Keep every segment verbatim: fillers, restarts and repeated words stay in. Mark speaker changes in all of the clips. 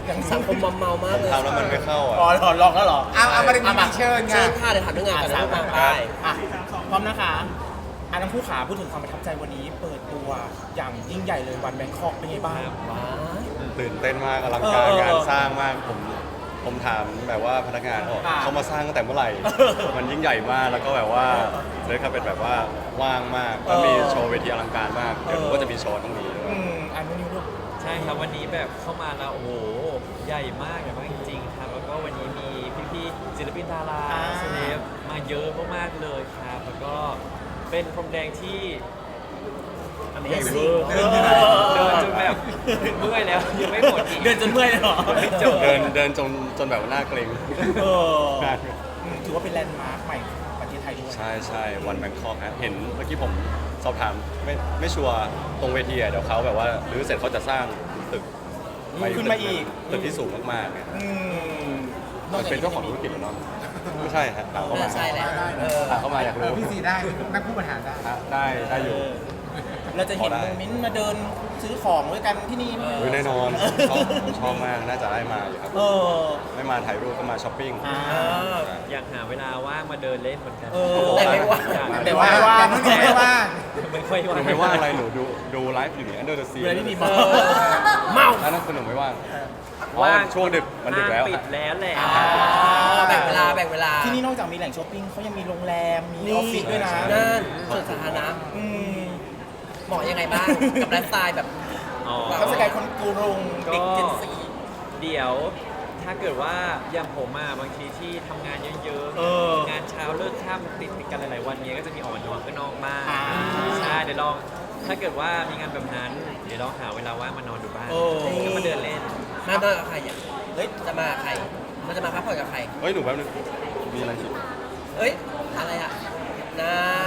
Speaker 1: อย่างสังคมมัมเมามากเลย
Speaker 2: ทำแล้วมันไม่เข้าอ่ะ
Speaker 3: อ๋อหรอลองแล้วเหรอ
Speaker 4: เอาเอามาเป็นมีเชิญ
Speaker 1: เชิ
Speaker 4: ค่ะ
Speaker 1: ญค่ะเดี๋ยวถามเรื่องงานกันนะมาไป
Speaker 3: อ่ะพร้อมนะคะอ่ะทั้งคู่ขาพูดถึงความประทับใจวันนี้ เปิดตัวอย่างยิ่งใหญ่เลยวันแบงคอกเป็นไงบ้าง
Speaker 1: ว้าย
Speaker 2: ตื่นเต้นมากอลังการ
Speaker 3: เออ
Speaker 2: งานสร้างมากผมผมถามแบบว่าพนักงานเขาบอก
Speaker 3: อ่า
Speaker 2: เขามาสร้างตั้งแต่เมื่อไหร่ มันยิ่งใหญ่มากแล้วก็แบบว่าเลยครับเป็นแบบว่าว่างมากแล้วมีโชว์เวทีอลังการมากเดี๋ยวผมก็จะมีโชว์ตรงนี้ด้วย
Speaker 3: อืมอันนี้ลูก
Speaker 5: ใช่ครับวันนี้แบบเข้ามาแล้วโอ้โหใหญ่มากใหญ่มากจริงๆครับแล้วก็วันนี้มีพี่ๆศิลปินดารา
Speaker 3: อ่า
Speaker 5: เซเลบมาเยอะมากๆเลยครับแล้วก็เป็นพรมแดงที่อันใหญ่เวอร์
Speaker 3: เดิน
Speaker 5: เดินจนแบบเมื่อยแล้วยังไม่หมดอีก
Speaker 3: เดินจนเมื่อยเลยเหรอ
Speaker 5: ไม่จบ
Speaker 2: เดินเดินจนจนแบบว่าหน้าเกรง
Speaker 3: เอออืมถือว่าเป็นแลนด์มาร์คใหม่ของประเทศไทยด้วย
Speaker 2: ใช่ใช่วันแบงคอกฮะเห็นเมื่อกี้ผมสอบถามไม่ไม่ชัวร์ตรงเวทีอะเดี๋ยวเขาแบบว่ารื้อเสร็จเขาจะสร้างตึก
Speaker 3: ขึ้นมาอีก
Speaker 2: ตึกที่สูงมากๆเนี่ย
Speaker 3: อืม
Speaker 2: มันเป็นเจ้าของธุรกิจเหรอเนาะไม่ใช่ฮะถามเข้ามา
Speaker 1: น่าใช่แหละเออ
Speaker 2: ถามเข้ามาอยาก
Speaker 4: เอ
Speaker 2: รู้
Speaker 4: อพี่ซีได้นักผู้บริหารได้
Speaker 2: ฮะได้ได้อยู่
Speaker 3: เราจะเห็น
Speaker 2: พอได้
Speaker 3: โมเมนต์มาเดินซื้อของด้วยกันที่นี่ไหม
Speaker 2: อุ๊ยแน่นอนชอบชอบมากน่าจะได้มาอยู่ครับ
Speaker 3: เออ
Speaker 2: ไม่มาถ่ายรูปก็มาช้อปปิ้ง
Speaker 3: อ่า
Speaker 5: อยากหาเวลาว่างมาเดินเล่นเหมือนกัน
Speaker 3: เออ
Speaker 1: แต่ไม่ว่าง
Speaker 5: อยาก
Speaker 3: แต่ว่าไม่ว่าง
Speaker 4: แต่ไม่ว่าง
Speaker 5: ไม่ค่อย
Speaker 2: ห
Speaker 5: ว่าง
Speaker 2: นูไม่ว่างอะไรหนูดูดูไลฟ์อยู่นี่ Under the Sea
Speaker 3: เวลาที่มี
Speaker 1: เอ
Speaker 3: มา
Speaker 1: อเมา
Speaker 2: อันนั้นคือหนูไม่ว่าง
Speaker 5: ว่าง
Speaker 2: อ๋อช่วงดึกมันดึกแล้ว
Speaker 5: ห้างปิดแล้วแหละ
Speaker 3: อ่า
Speaker 1: แบ่งเวลาแบ่งเวลา
Speaker 3: ที่นี่นอกจากมีแหล่งช้อปปิ้งเขายังมีโรงแรม มี
Speaker 1: นี่
Speaker 3: ออฟฟิศด้วยนะ
Speaker 1: นั่นส่วนสาธารณะ
Speaker 3: อืม
Speaker 1: เหมาะยังไงบ้าง กับไลฟ์สไตล์แบบ
Speaker 5: อ๋อ
Speaker 3: เขาสกายคนกรุง
Speaker 5: ก็
Speaker 3: เด็กเจนซี
Speaker 5: เดี๋ยวถ้าเกิดว่าอย่างผมอะบางทีที่ทำงานเยอะ
Speaker 3: เออ
Speaker 5: งานเช้าเลิกค่ำติดติดกันหลายๆวันเนี้ยก็จะมีออกมานอนข้างนอกบ้าง
Speaker 3: อ่า
Speaker 5: ใช่เดี๋ยวลองถ้าเกิดว่ามีงานแบบนั้น เดี๋ยวลองหาเวลาว่างมานอนดูบ้าง
Speaker 3: โอ้
Speaker 5: ก็มาเดินเล่น
Speaker 1: มาเดินกับใครอ่ะเฮ้ยจะมากับใครมันจะมาพักผ่อนกับใคร
Speaker 2: เฮ้ย หนูแป๊บนึงมีอะไรสิ
Speaker 1: เอ้ยอะไรอ่ะนะ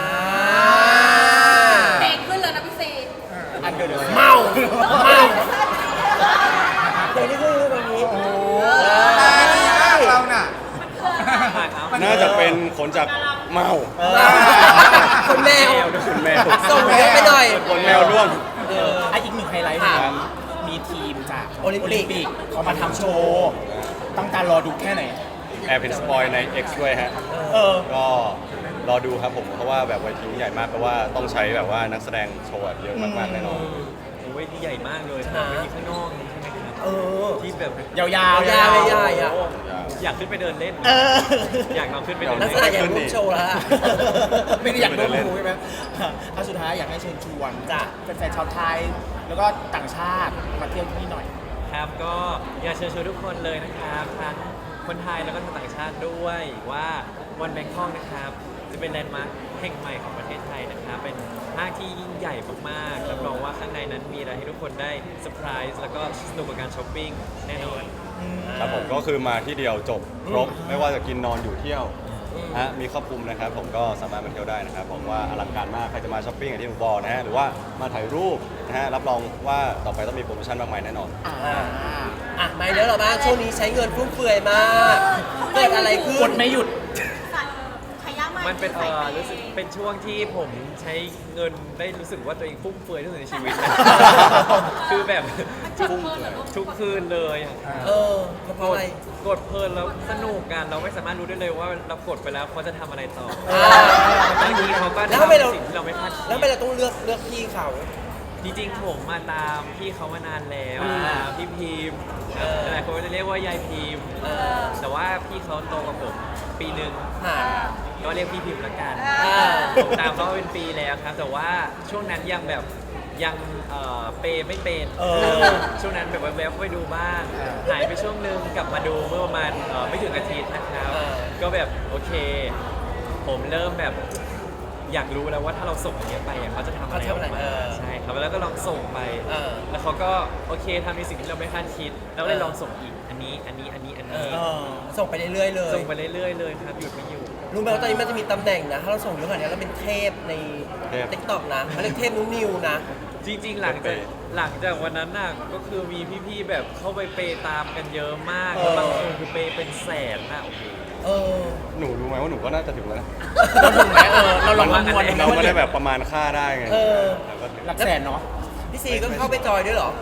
Speaker 6: เพลงขึ้นเลยนะพี่ซี
Speaker 3: อันเดอร์เด
Speaker 1: เมาเมาเดี๋ยวนี้คือวันนี้โอ้
Speaker 4: ตาดีมากเราน่ะ
Speaker 2: น่าจะเป็นขนจากเมา
Speaker 1: คนแมว
Speaker 2: ขนแมว
Speaker 1: ส่งเยอะไปหน่อย
Speaker 2: ขนแมวร่วง
Speaker 3: เอออ่ะอีกหนึ่งไฮไลท์
Speaker 1: ค่ะ
Speaker 3: นะมีทีมจาก
Speaker 1: โอลิมปิก
Speaker 3: เขามาทำโชว์ต้องการรอดูแค่ไหน
Speaker 2: แอบเห็นสปอยใน X ด้วยฮะ
Speaker 3: เออ
Speaker 2: ก็รอดูครับผม เพราะว่าแบบเวทีใหญ่มากเพราะว่าต้องใช้แบบว่านักแสดงโชว์แบบเยอะมากๆแน่นอน
Speaker 5: โอ้ยที่ใหญ่มากเลย
Speaker 1: นะ
Speaker 5: เวทีข้างนอกนี่ใช่ไหมครับ
Speaker 1: เออ
Speaker 5: ที่แบบ
Speaker 3: ยาวๆ
Speaker 1: ยาวๆยาวๆอ่ะ
Speaker 5: โอ้อยากขึ้นไปเดินเล่น
Speaker 3: เออ
Speaker 5: อยากลองขึ้นไปเดิน
Speaker 1: ลักษ
Speaker 5: เล่
Speaker 1: ณะ
Speaker 5: น
Speaker 1: อย่างรูปโชว์แล้วล่ะ
Speaker 3: ไม่ได้อยากร่วมรู้ใช่ไหมเอาสุดท้ายอยากให้เชิญชวนจากแฟนๆชาวไทย แล้วก็ต่างชาติมาเที่ยวที่นี่หน่อย
Speaker 5: ครับก็อยากเชิญชวนทุกคนเลยนะครับทั้งคนไทยแล้วก็ทั้งต่างชาติด้วยว่าวันแบงคอกนะครับจะเป็นแลนด์มาร์คแห่งใหม่ของประเทศไทยนะครับเป็นห้างที่ยิ่งใหญ่มากๆรับรองว่าข้างในนั้นมีอะไรให้ทุกคนได้เซอร์ไพรส์แล้วก็สนุกกับการช้อปปิ้งแน่นอน
Speaker 2: ครับผมก็คือมาที่เดียวจบครบไม่ว่าจะกินนอนอยู่เที่ยวฮะมีครอบคลุมนะครับผมก็สามารถมาเที่ยวได้นะครับผมว่าอลังการมากใครจะมาช้อปปิ้งอย่างที่ผมบอกนะฮะหรือว่ามาถ่ายรูปนะฮะรับรองว่าต่อไปต้องมีโปรโมชั่นมากมายแน่นอน
Speaker 3: อ่า
Speaker 1: อ่ะไม่เดี๋ยวเราบ้างช่วงนี้ใช้เงินฟุ่มเฟือยมากเกิดอะไรขึ้
Speaker 3: ก
Speaker 1: น
Speaker 3: ดไม่หยุด
Speaker 6: ขยะมาก
Speaker 5: มันเป็นเออรู้สึกเป็นช่วงที่ผมใช้เงินได้รู้สึกว่าตัวเองฟุ่มเฟือยที่สุดในชีวิต นะคือแบบทุกทุกคืนเลยอะ
Speaker 1: เออเพราะอะไร
Speaker 5: กดเพลินแล้วสนุกกันเราไม่สามารถรู้ได้เลยว่าเรากดไปแล้วเขาจะทำอะไรต่อ
Speaker 1: อ่า
Speaker 5: บางทีเขาก็
Speaker 1: แล้วทำไมเรา
Speaker 5: ทำสิ่งที่เราไม่คาดคิด
Speaker 1: แล้วทำไมเราต้องเลือกเลือกพี่เขา
Speaker 5: จริงๆผมมาตามพี่เขามานานแล้ว
Speaker 1: อ่า
Speaker 5: พี่พิมพ์
Speaker 1: เออ
Speaker 5: หลายคนก็จะเรียกว่ายายพิมพ์
Speaker 1: เออ
Speaker 5: แต่ว่าพี่เขาโตกว่าผมปีหนึ่ง
Speaker 1: ค่ะ
Speaker 5: ก็เรียกพี่พิมพ์ละกัน
Speaker 1: อ่า
Speaker 5: ผมตามเขามาเป็นปีแล้วครับ แต่ว่าช่วงนั้นยังแบบยังเอ่อเปย์ไม่เป็น
Speaker 3: เออ
Speaker 5: ช่วงนั้นแบบแวบๆไปดูบ้างหายไปช่วงหนึงกลับมาดูเมื่อประมาณเอ่อไม่ถึงอาทิตย์นะครับ
Speaker 1: เออ
Speaker 5: ก็แบบโอเค ผมเริ่มแบบอยากรู้แล้วว่าถ้าเราส่งอันเนี้ยไปอ่ะเขาจะทำอะไรออกมาใช่ครับแล้วก็ลองส่งไป
Speaker 1: เออ
Speaker 5: แล้วเขาก็โอเคทำในสิ่งที่เราไม่คาดคิดเราก็เลยลองส่งอีกอันนี้อันนี้อันนี้อัน
Speaker 1: เอ
Speaker 5: นี้
Speaker 1: อส่งไปเรื่อยๆเลย
Speaker 5: ส่งไปเรื่อยๆเลยครับหยุดไม่อยู่
Speaker 1: รู้ไหมว่าตอนนี้มันจะมีตำแหน่งนะ ถ้าเราส่งเยอะขนาดนี้เราเป็นเทพใน
Speaker 2: เทพ
Speaker 1: ติ๊กต็อกนะเขาเรียกเทพนุ้นิวนะ
Speaker 5: จริงๆ หลังจากหลังจากวันนั้นน่ะก็คือมีพี่ๆแบบเข้าไปเปย์ตามกันเยอะมาก
Speaker 3: เออ
Speaker 5: แล้วบางคนคือเปย์เป็นแสนน่ะโอ้โห
Speaker 1: เออ
Speaker 2: หนูรู้ไหมว่าหนูก็น่าจะถึงแล้วนะ
Speaker 3: เราถึงไหมเออเราลอง
Speaker 5: มัน
Speaker 3: คำนวณ
Speaker 2: เราไม่ได้แบบประมาณค่าได้ไง
Speaker 1: เออ
Speaker 2: แล้วก็
Speaker 3: หลักแสนเนาะ
Speaker 1: พี่ซีก็เข้าไปจอยด้วยเหรอ
Speaker 2: โ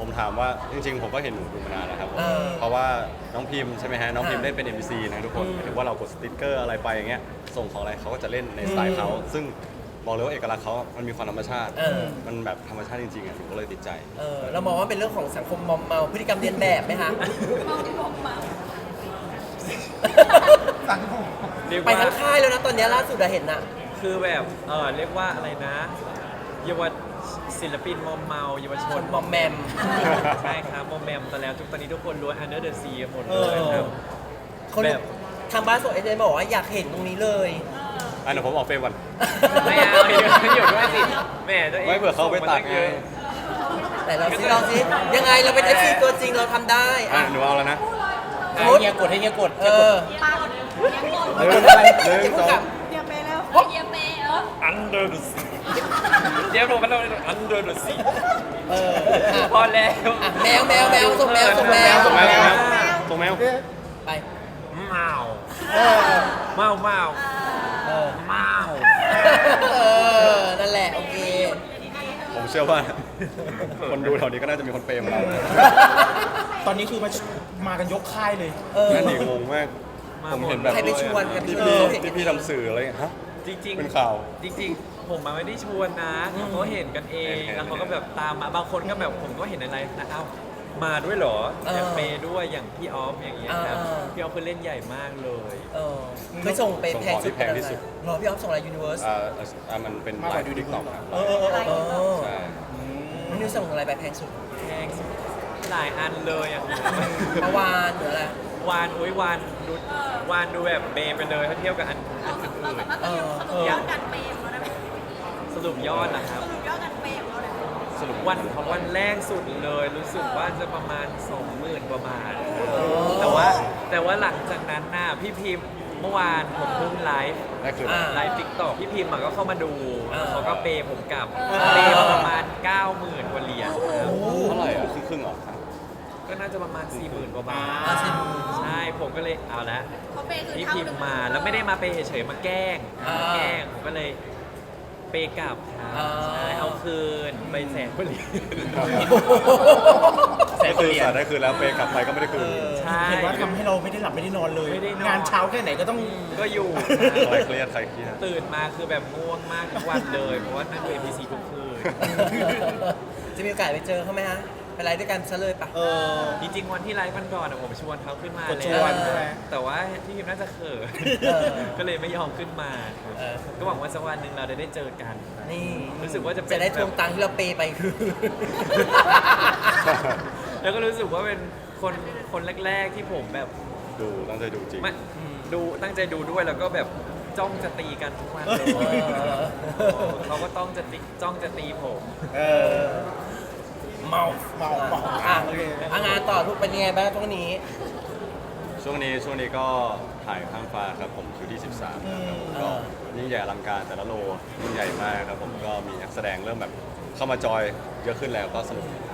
Speaker 2: ผมถามว่าจริงๆ ผมก็เห็นหนูดูมานานแล้วครับผม
Speaker 1: เออ
Speaker 2: เพราะว่าน้องพิมพ์ใช่ไหมฮะน้องพิมพ์
Speaker 1: อ่า
Speaker 2: เล่นเป็น เอ็ม ซี นะทุกคน
Speaker 1: อืม
Speaker 2: หมายถึงว่าเรากดสติ๊กเกอร์อะไรไปอย่างเงี้ยส่งของอะไรเขาก็จะเล่นในสไตล์เขาซึ่งบอกเลยว่าเอกลักษณ์เขามันมีความธรรมชาติ
Speaker 1: เออ
Speaker 2: มันแบบธรรมชาติจริงๆอ่ะหนูก็เลยติดใจ
Speaker 1: เออเรามองว่าเป็นเรื่องของสังคมมอมเมาพฤติกรรมเรียนแบบไหมคะ
Speaker 4: สังคม
Speaker 5: เรียก
Speaker 1: ไป
Speaker 5: ว่า
Speaker 1: ทั้งค่ายแล้วนะตอนนี้ล่าสุดอะเห็นน่ะ
Speaker 5: คือแบบเออเรียกว่าอะไรนะเยาวศิลปินมอมเมาเยาวช
Speaker 1: คน นมอมแมม
Speaker 5: ใช่ครับมอมแมมแต่แล้วทุกตอนนี้ทุกคนล้วน under the sea หมด
Speaker 1: เอ
Speaker 5: เล
Speaker 1: อย
Speaker 5: ครับ
Speaker 1: เขา
Speaker 5: แบบ
Speaker 1: ทางบ้านส่งเอเจนบอกว่าอยากเห็นตรงนี้เลย
Speaker 2: อันเดี๋ยวผมออกเฟรมก่อน
Speaker 5: ไม่เอาอยู่อยู่ด้วยสิแหม่ตัวง
Speaker 2: ไม่เผื่อเขาไปตัดไง
Speaker 1: แต่เราซิเราซิยังไงเราเป็น เอฟ ซี ตัวจริงเราทำได้
Speaker 2: อ่ะ
Speaker 1: อ่ะ
Speaker 2: หนูเอาแล้วนะ
Speaker 1: สมมุติ
Speaker 3: เฮียกดให้เฮียกด
Speaker 1: เออ
Speaker 2: หนึ่งหนึ่งสอง
Speaker 6: เยียเปแล้วเยียเปเออ
Speaker 5: under the sea เดี๋ยวผมมันเรา under the sea
Speaker 1: เอออ่ะ
Speaker 5: พอแล้ว
Speaker 1: อ่ะแมวแมวแมวส่งแมวส่งแมว
Speaker 2: ส่งแมวส่งแมว
Speaker 1: ไป
Speaker 5: เมา
Speaker 1: เออ
Speaker 5: เมาเมา
Speaker 1: เออ
Speaker 5: เมา
Speaker 1: เออนั่นแหละโอเค
Speaker 2: ผมเชื่อว่า คนดูแถวนี้ก็น่าจะมีคนเปรมเรา
Speaker 3: ตอนนี้คือมามากันยกค่ายเลย
Speaker 1: เออ
Speaker 2: นั่นดีงงมาก ผมเห็นแบบ
Speaker 1: ใครไปชวนกัน
Speaker 2: ที่
Speaker 1: เอ
Speaker 2: พี่
Speaker 1: อเห็น
Speaker 2: ที่พี่ทำสื่ออะไรอย่างเงี้ยฮะ
Speaker 5: จริงๆ
Speaker 2: เป็นข่าว
Speaker 5: จริงๆ ผมมาไม่ได้ชวนนะเขาเห็นกันเอง
Speaker 2: เห็นๆ
Speaker 5: แล้วเขาก็แบบตามมาบางคนก็แบบผมก็เห็นในไลฟ์นะเอ้ามาด้วยเหรอ
Speaker 1: เออ
Speaker 5: แบบเปย์ด้วยอย่างพี่ออฟอย่างเงี้ยครับ
Speaker 1: เออ
Speaker 5: พี่ออฟคือเล่นใหญ่มากเลย
Speaker 1: เออเคยส่งไป
Speaker 2: ส่ง
Speaker 1: แพ
Speaker 2: ของ
Speaker 1: ง
Speaker 2: ที่
Speaker 1: สุด
Speaker 2: แพงที่สุด
Speaker 1: รอพี่ออฟส่งอะไรยูนิเวอร์ส
Speaker 2: อ่าอ่ามันเป็น
Speaker 3: มาก
Speaker 2: ไล
Speaker 3: กว่า
Speaker 2: ฟ์
Speaker 3: ดู
Speaker 2: ติ๊กต็อกครับ
Speaker 1: เออเออเออเออ
Speaker 2: ใช่
Speaker 1: นิวส่งอะไรไปแพงสุด
Speaker 5: แพงสุดหลายอันเลยอ่ะ
Speaker 1: เมื่อวานหรืออะไร
Speaker 5: วานอุ้ยวานดูวานดูแบบเบย์ไปเลยถ้าเทียบกับอันอัน
Speaker 6: เรา
Speaker 5: อื่น
Speaker 6: สามารถจะสรุปยอดการเปย์ของเราได้ไหม
Speaker 5: สรุปยอดนะครับ
Speaker 6: สรุปยอดการเปย์ของเราได้ไหม
Speaker 2: สรุป
Speaker 5: วันวันแรกสุดเลยรู้สึกว่าจะประมาณสองหมื่นประมาณแต่ว่าแต่ว่าหลังจากนั้นน่ะพี่พิมพ์เมื่อวานผมเพิ่งไลฟ์
Speaker 2: นั่นคือ
Speaker 1: อ่า
Speaker 5: ไลฟ์ติ๊กต็อกพี่พิมพ์อะก็เข้ามาดู
Speaker 1: อ่า
Speaker 5: เขาก็เปย์ผมกลับ
Speaker 1: อ่า
Speaker 5: เปย์มาประมาณ เก้าหมื่นกว่าเหรียญครับ
Speaker 2: เท่าไหร่อ่ะครึ่งครึ่งๆเหรอ
Speaker 5: ก็น่าจะประมาณ สี่หมื่นกว่าบาท
Speaker 1: อ่าสี่หมื่น
Speaker 5: ใช่ผมก็เลยเอาละ
Speaker 6: เขาเปย์คือ
Speaker 5: พี่
Speaker 6: เท่า
Speaker 5: พิมพ์มาแล้วไม่ได้มาเปย์เฉยๆมาแกล้ง
Speaker 1: อ่าม
Speaker 5: มาแกล้งผมก็เลยเปย์กลับครับ
Speaker 1: อ่า
Speaker 5: ใช่เอาคืนไปแสนกว่าเหรียญ
Speaker 2: ก็คือสาได้คืนแล้วเปย์กลับไปก็ไม่ได้คืน
Speaker 5: ใช่
Speaker 3: เห็นว่าทำให้เราไม่ได้หลับไม่ได้นอนเลย
Speaker 5: ไม่ได้นอน
Speaker 3: งานเช้าแค่ไหนก็ต้อง
Speaker 5: ก็อยู่
Speaker 2: ใครเครียดใครเครียด
Speaker 5: ตื่นมาคือแบบง่วงมากทุกวันเลย เพราะว่านั่งดู เอ็ม พี ซี ทุกคืน
Speaker 1: จะมีโอกาสไปเจอเขาไหมฮะไปไลฟ์ด้วยกันซะเลยปะ
Speaker 3: เออ
Speaker 5: จริงๆวันที่ไลฟ์วันก่อนอะผมชวนเขาขึ้นมาก
Speaker 3: ด
Speaker 5: เลย
Speaker 3: ชวนใช่ไหม
Speaker 5: แต่ว่าพี่พิมน่าจะเขิน
Speaker 1: เออ
Speaker 5: ก็เลยไม่ยอมขึ้นมา
Speaker 1: เออ
Speaker 5: ก็หวังว่าสักวันหนึ่งเราจะได้เจอกัน
Speaker 1: นี่
Speaker 5: รู้สึกว่าจะเป็น
Speaker 1: จะได้ทวงตังค์ที่เราเปย์ไปคือ
Speaker 5: แล้วก็รู้สึกว่าเป็นคนคนแรก ๆที่ผมแบบ
Speaker 2: ดูตั้งใจดูจริง
Speaker 5: ไม่ดูตั้งใจดูด้วยแล้วก็แบบจ้องจะตีกันทุกวันเลย
Speaker 1: เออ
Speaker 5: เขาก็ต้องจะตีจ้องจะตีผม
Speaker 3: เออ เมาเมาเมา
Speaker 1: อ่ะ
Speaker 3: โอเค
Speaker 1: อ่ะงานต่อทุกเป็นยังไงบ้างช่วงนี้
Speaker 2: ช่วงนี้ช่วงนี้ก็ถ่ายข้างฟ้าครับผมคิวที่สิบสามครับผมก็ยิ่งใหญ่อลังการแต่ละโลยิ่งใหญ่มากครับผมก็มีนักแสดงเริ่มแบบเข้ามาจอยเยอะขึ้นแล้วก็สนุก